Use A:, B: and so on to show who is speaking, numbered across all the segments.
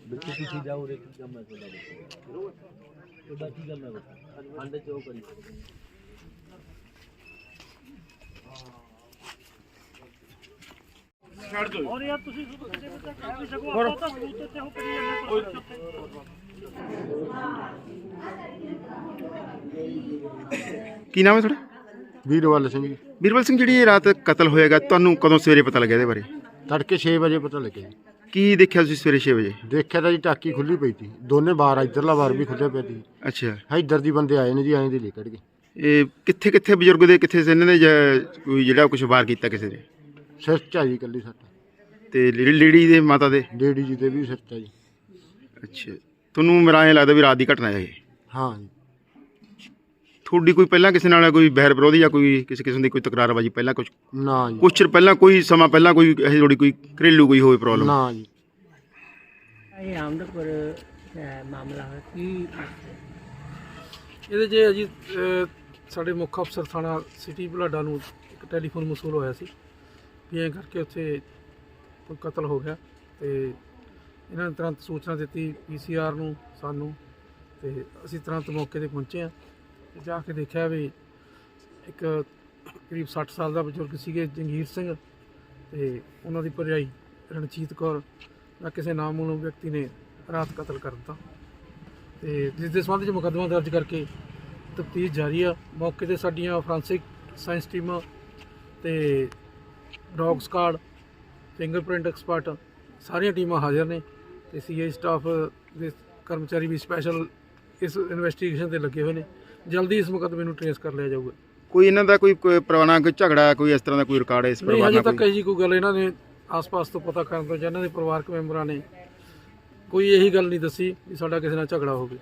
A: बिल्कुल किसी जाओ रे की काम है तो की काम है अंडे चो करी ਛੱਡ ਦੋ ਔਰ ਯਾਰ ਤੁਸੀਂ ਕਿਸੇ ਨੂੰ ਕਹਿ ਵੀ ਸਕੋ ਆਪਾਂ ਤਾਂ ਸਬੂਤ ਤੇ ਹੋ ਕਰੀ ਜਾਂਦੇ
B: ਕੀ ਨਾਮ ਹੈ ਤੁਹਾਡਾ?
C: ਵੀਰਵਾਲ ਸਿੰਘ ਜੀ।
B: ਵੀਰਵਾਲ ਸਿੰਘ, ਜਿਹੜੀ ਇਹ ਰਾਤ ਕਤਲ ਹੋਏਗਾ ਤੁਹਾਨੂੰ ਕਦੋਂ ਸਵੇਰੇ ਪਤਾ ਲੱਗਿਆ ਇਹਦੇ ਬਾਰੇ?
C: ਤੜਕੇ 6 ਵਜੇ ਪਤਾ ਲੱਗਿਆ ਜੀ।
B: ਕੀ ਦੇਖਿਆ ਤੁਸੀਂ ਸਵੇਰੇ 6 ਵਜੇ?
C: ਦੇਖਿਆ ਤਾਂ ਜੀ ਟਾਕੀ ਖੁੱਲੀ ਪਈ ਸੀ, ਦੋਨੇ ਬਾਰ ਇੱਧਰਲਾ ਬਾਰ ਵੀ ਖੁੱਲਿਆ ਪਿਆ ਸੀ।
B: ਅੱਛਾ,
C: ਇੱਧਰ ਦੀ ਬੰਦੇ ਆਏ ਨੇ ਜੀ, ਐਂ ਦੀ ਲੈ ਕੱਢ ਗਏ।
B: ਇਹ ਕਿੱਥੇ ਕਿੱਥੇ ਬਜ਼ੁਰਗ ਦੇ ਕਿੱਥੇ ਇਹਨਾਂ ਨੇ ਕੋਈ ਜਿਹੜਾ ਕੁਝ ਵਾਰ ਕੀਤਾ ਕਿਸੇ ਦੇ?
C: ਸਿਰ 'ਚ ਆ ਜੀ ਇਕੱਲੀ ਸੱਟ।
B: ਤੇ ਲੇਡੀ ਦੇ ਮਾਤਾ ਦੇ?
C: ਡੇਡੀ ਜੀ ਦੇ ਵੀ ਸਿਰ 'ਚ ਆ ਜੀ।
B: ਅੱਛਾ, ਤੁਹਾਨੂੰ ਮੇਰਾ ਐਂ ਲੱਗਦਾ ਵੀ ਰਾਤ ਦੀ ਘਟਨਾ ਹੈ ਇਹ?
C: ਹਾਂ ਜੀ।
B: ਤੁਹਾਡੀ ਕੋਈ ਪਹਿਲਾਂ ਕਿਸੇ ਨਾਲ ਕੋਈ ਬਹਿਰ ਵਿਰੋਧੀ ਜਾਂ ਕੋਈ ਕਿਸੇ ਕਿਸਮ ਦੀ ਕੋਈ ਤਕਰਾਰਬਾਜੀ ਪਹਿਲਾਂ ਕੁਝ
C: ਨਾ ਜੀ,
B: ਕੁਛ ਚਿਰ ਪਹਿਲਾਂ ਕੋਈ ਸਮਾਂ ਪਹਿਲਾਂ ਕੋਈ ਇਹ ਥੋੜੀ ਕੋਈ ਘਰੇਲੂ ਕੋਈ ਹੋਵੇ ਪ੍ਰੋਬਲਮ?
C: ਨਾ ਜੀ।
D: ਇਹ ਆਮਦਪੁਰ ਮਾਮਲਾ ਹੈ ਕੀ
E: ਇਹਦੇ 'ਚ ਜੀ ਸਾਡੇ ਮੁੱਖ ਅਫਸਰ ਥਾਣਾ ਸਿਟੀ ਬੁਢਲਾਡਾ ਨੂੰ ਇੱਕ ਟੈਲੀਫੋਨ ਮਸੂਲ ਹੋਇਆ ਸੀ ਵੀ ਐਂ ਕਰਕੇ ਉੱਥੇ ਕੋਈ ਕਤਲ ਹੋ ਗਿਆ ਤੇ ਇਹਨਾਂ ਨੇ ਤੁਰੰਤ ਸੂਚਨਾ ਦਿੱਤੀ PCR ਨੂੰ ਸਾਨੂੰ ਤੇ ਅਸੀਂ ਤੁਰੰਤ ਮੌਕੇ 'ਤੇ ਪਹੁੰਚੇ ਹਾਂ ਤੇ ਜਾ ਕੇ ਦੇਖਿਆ ਵੀ ਇੱਕ ਕਰੀਬ 60 ਸਾਲ ਦਾ ਬਜ਼ੁਰਗ ਸੀਗੇ ਜੰਗੀਰ ਸਿੰਘ ਤੇ ਉਹਨਾਂ ਦੀ ਭਰਜਾਈ ਰਣਜੀਤ ਕੌਰ ਦਾ ਕਿਸੇ ਨਾਮਮਾਲੂਮ ਵਿਅਕਤੀ ਨੇ ਰਾਤ ਕਤਲ ਕਰ ਦਿੱਤਾ ਤੇ ਜਿਸ ਦੇ ਸੰਬੰਧ 'ਚ ਮੁਕੱਦਮਾ ਦਰਜ ਕਰਕੇ ਤਫਤੀਸ਼ ਜਾਰੀ ਆ। ਮੌਕੇ 'ਤੇ ਸਾਡੀਆਂ ਫੋਰੈਂਸਿਕ ਸਾਇੰਸ ਟੀਮਾਂ ਤੇ ਡੌਗ ਸਕਾਡ, ਫਿੰਗਰਪ੍ਰਿੰਟ ਐਕਸਪਰਟ ਸਾਰੀਆਂ ਟੀਮਾਂ ਹਾਜ਼ਰ ਨੇ ਤੇ CI ਸਟਾਫ ਦੇ ਕਰਮਚਾਰੀ ਵੀ ਸਪੈਸ਼ਲ ਇਸ ਇਨਵੈਸਟੀਗੇਸ਼ਨ ਤੇ ਲੱਗੇ ਹੋਏ ਨੇ। ਜਲਦੀ ਇਸ ਮੁਕੱਦਮੇ ਨੂੰ ਟ੍ਰੇਸ ਕਰ ਲਿਆ ਜਾਊਗਾ।
B: ਕੋਈ ਇਹਨਾਂ ਦਾ ਕੋਈ ਪੁਰਾਣਾ ਕੋਈ ਝਗੜਾ ਕੋਈ ਇਸ ਤਰ੍ਹਾਂ ਦਾ ਕੋਈ ਰਿਕਾਰਡ ਹੈ ਇਸ
E: ਨਹੀਂ,
B: ਪਰਿਵਾਰ
E: ਹਜੇ
B: ਨਾਲ?
E: ਤੱਕ ਇਹੀ ਕੋਈ ਗੱਲ ਇਹਨਾਂ ਨੇ ਆਸ-ਪਾਸ ਤੋਂ ਪਤਾ ਕਰਨ ਤੋਂ ਜਾਂ ਇਹਨਾਂ ਦੇ ਪਰਿਵਾਰਕ ਮੈਂਬਰਾਂ ਨੇ ਕੋਈ ਇਹੀ ਗੱਲ ਨਹੀਂ ਦੱਸੀ ਵੀ ਸਾਡਾ ਕਿਸੇ ਨਾਲ ਝਗੜਾ ਹੋਵੇ।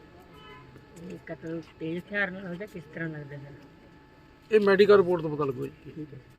D: ਕਤਲ ਤੇਜ਼ ਹਥਿਆਰ ਨਾਲ ਹੋਇਆ ਕਿਸ ਤਰ੍ਹਾਂ ਲੱਗਦਾ ਹੈ?
E: ਇਹ ਮੈਡੀਕਲ ਰਿਪੋਰਟ ਤੋਂ ਪਤਾ ਲੱਗੂ ਜੀ।